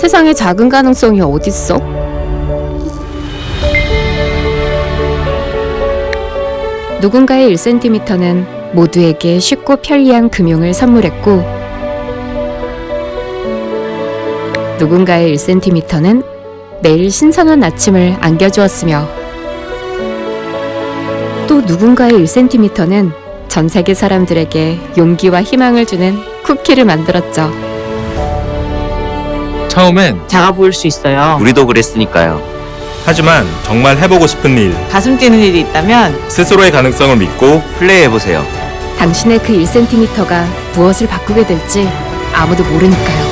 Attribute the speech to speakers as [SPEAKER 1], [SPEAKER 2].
[SPEAKER 1] 세상에 작은 가능성이 어딨어? 누군가의 1cm는 모두에게 쉽고 편리한 금융을 선물했고, 누군가의 1cm는 매일 신선한 아침을 안겨주었으며, 또 누군가의 1cm는 전 세계 사람들에게 용기와 희망을 주는 쿠키를 만들었죠.
[SPEAKER 2] 처음엔
[SPEAKER 3] 작아 보일 수 있어요.
[SPEAKER 4] 우리도 그랬으니까요.
[SPEAKER 2] 하지만 정말 해보고 싶은 일,
[SPEAKER 3] 가슴 뛰는 일이 있다면
[SPEAKER 2] 스스로의 가능성을 믿고
[SPEAKER 4] 플레이해보세요.
[SPEAKER 1] 당신의 그 1cm가 무엇을 바꾸게 될지 아무도 모르니까요.